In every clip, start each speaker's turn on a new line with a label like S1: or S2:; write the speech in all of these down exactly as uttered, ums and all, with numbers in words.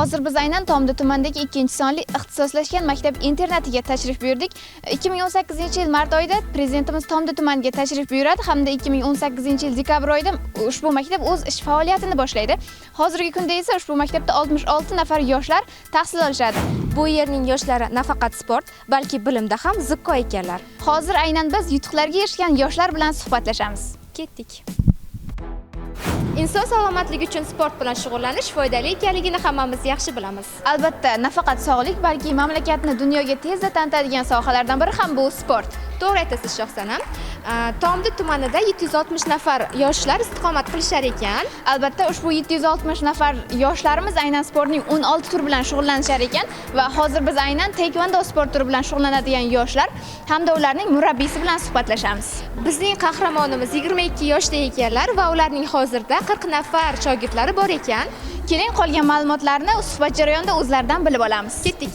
S1: Hozir biz aynan Tomdi tumanidagi ikkinchi sonli ixtisoslashgan maktab internatiga tashrif buyurdik. ikki ming o'n sakkizinchi yil mart oyida prezidentimiz Tomdi tumaniga tashrif buyuradi hamda ikki ming o'n sakkizinchi yil dekabr oyida ushbu maktab o'z ish faoliyatini boshlaydi. Hozirgi kunda esa ushbu maktabda oltmish olti nafar yoshlar tahsil olishadi.
S2: Bu yerning yoshlari nafaqat sport, balki bilimda ham zukko ekanlar.
S1: Hozir aynan biz yutuqlarga erishgan yoshlar bilan suhbatlashamiz.
S2: Ketdik. Inson salomatligi uchun sport bilan shug'ullanish foydali ekanligini hammamiz yaxshi bilamiz.
S1: Albatta, nafaqat sog'lik, balki mamlakatni dunyoga tezda tanitadigan sohalardan biri ham bu sport.
S2: To'g'ri aytasiz Shohsanam. Tomdi tumanida yetti yuz oltmish nafar yoshlar istiqomat qilishar ekan.
S1: Albatta, ushbu yetti yuz oltmish nafar yoshlarimiz aynan sportning o'n olti turi bilan shug'ullanishar ekan va hozir biz aynan taekvondo sport turi bilan shug'ullanadigan yoshlar hamda ularning murabbiysi bilan suhbatlashamiz.
S2: Bizning qahramonimiz yigirma ikki yoshda ekanlar va ularning hozirda qirq nafar shogirdlari bor ekan.
S1: Keling, qolgan ma'lumotlarni suhbat jarayonida o'zlaridan bilib olamiz.
S2: Ketdik.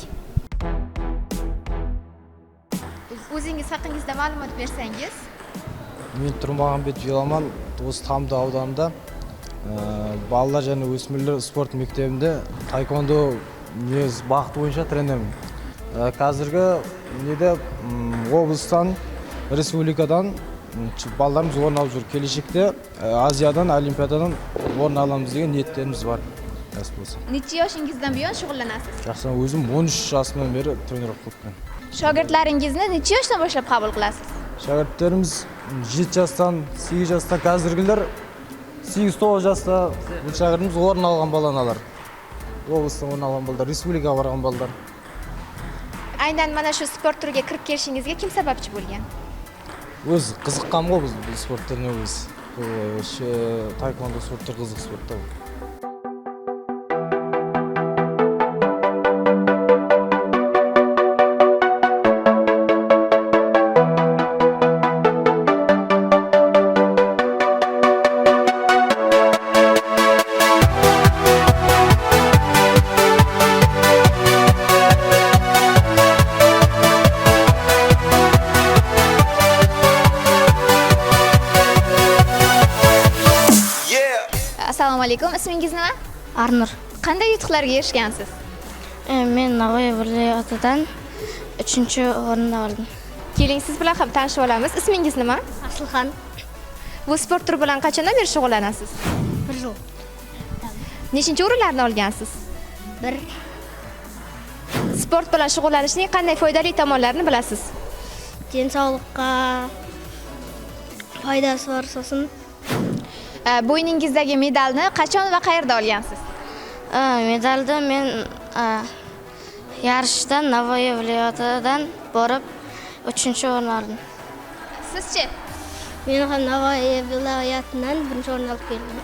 S2: O'zingiz haqingizda ma'lumot bersangiz?
S3: Men Turmag'anbetov Yolaman, To'g'ri Tomdi audanida bolalar және o'smirlar sport maktabida taekvondo бағыты bo'yicha trenerman. Hozirgi neda облыстан, республикадан bolalarimiz o'rin olib yurib, kelajakda Aziyadan, Olimpiadadan o'rin olamiz degan niyatlarimiz bor.
S1: Necha yoshingizdan buyon shug'ullanasiz?
S3: Shaxsan o'zim o'n uch yoshdan beri trenerlik qilibman.
S1: Shogirdlaringizni necha yoshdan boshlab qabul qilasiz?
S3: Shogirdlarimiz yetti yoshdan, sakkiz yoshdan, hozirgilar sakkiz to'qqiz yoshda bu shogirdimiz o'rin olgan bolalar. Облыстан o'rin olgan bolalar, respublikaga borgan bolalar.
S2: Aynan mana shu sport turiga kirib kelishingizga kim sababchi bo'lgan?
S3: O'z qiziqqanmi biz bu sport turine o'z. Shu taekvondo sport turi qiziq sportda.
S1: Assalomu alaykum. Ismingiz nima?
S4: Arnur.
S1: Qanday yutuqlarga erishgansiz?
S4: Men Navoiy viloyatidan uchinchi o'rinda oldim.
S2: Keling, siz bilan ham tanishib olamiz. Ismingiz nima?
S4: Aslixon.
S2: Bu sport turi bilan qachondan beri shug'ullanasiz?
S4: bir yil.
S2: Nechinchi o'rinlarni olgansiz?
S4: bir.
S2: Sport bilan shug'ullanishning qanday foydali tomonlarini bilasiz?
S4: Den sog'liqqa foydasi bor so'sin.
S1: Bo'yningizdagi medalni qachon va qayerda olgansiz?
S4: Medalni men yarishdan Navoiy viloyatidan borib uchinchi o'rin oldim.
S1: Sizchi?
S4: Men ham Navoiy viloyatidan birinchi o'rin olib keldim.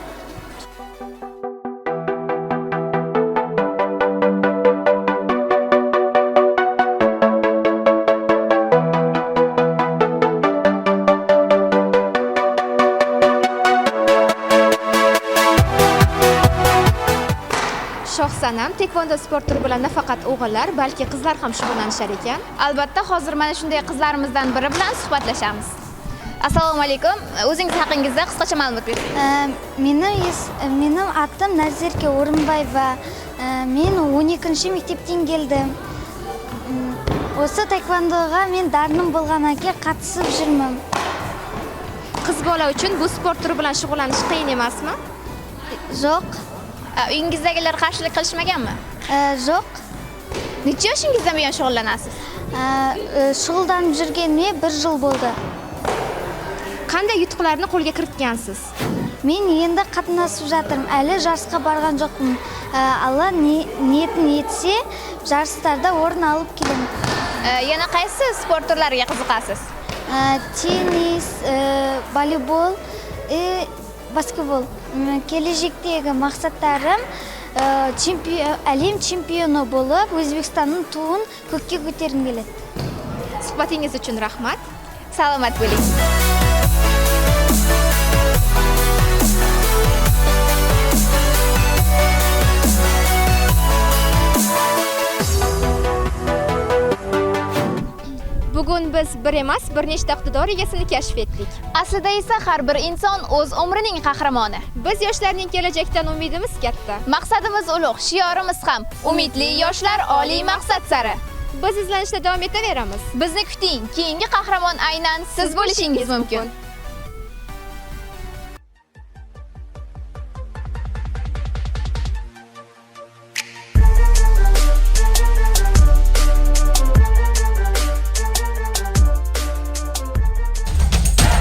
S2: Shohsanam, taekvondo sport turi bilan nafaqat o'g'illar, balki qizlar ham shug'ullanishar ekan.
S1: Albatta, hozir mana shunday qizlarimizdan biri bilan suhbatlashamiz. Assalomu alaykum. O'zingiz haqingizda qisqacha ma'lumot bering.
S5: Mening mening atim Nazirka O'rinbayeva. Men o'n ikkinchi maktabdan keldim. O'sha taekvondoga men darnim bo'lganiga qatnashib jirman.
S2: Qiz bola uchun bu sport turi bilan shug'ullanish qiyin emasmi?
S5: Yo'q.
S1: Uyingizdagilar qarshilik qilishmaganmi?
S5: Yo'q.
S1: Necha yoshingizdan buyon shug'ullanasiz?
S5: Shug'ullanib yurganimga bir yil bo'ldi.
S2: Qanday yutuqlarni qo'lga kiritgansiz?
S5: Men endi qatnashib жатырмын. Hali jarishga borgan jo'qman. Alloh niyatim yetsa, jarishlarda o'rin olib kelaman.
S1: Yana qaysi sport turlariga qiziqasiz?
S5: Tennis, voleybol, basketbol. Kelajakdagi maqsadlarim chempion, Olim chempioni bo'lib, O'zbekistonning tug'in ko'kka ko'targim keladi.
S2: Suhbatingiz uchun rahmat.
S1: Salomat bo'ling.
S2: Bugun biz bir emas, bir nechta iqtidor egasini kashf etdik.
S1: Aslida esa har bir inson o'z umrining qahramoni.
S2: Biz yoshlarning kelajakdan umidimiz katta.
S1: Maqsadimiz ulug', shiorimiz ham umidli yoshlar oliy maqsad sari.
S2: Biz izlanishda davom etaveramiz.
S1: Bizni kuting, keyingi qahramon aynan siz bo'lishingiz mumkin.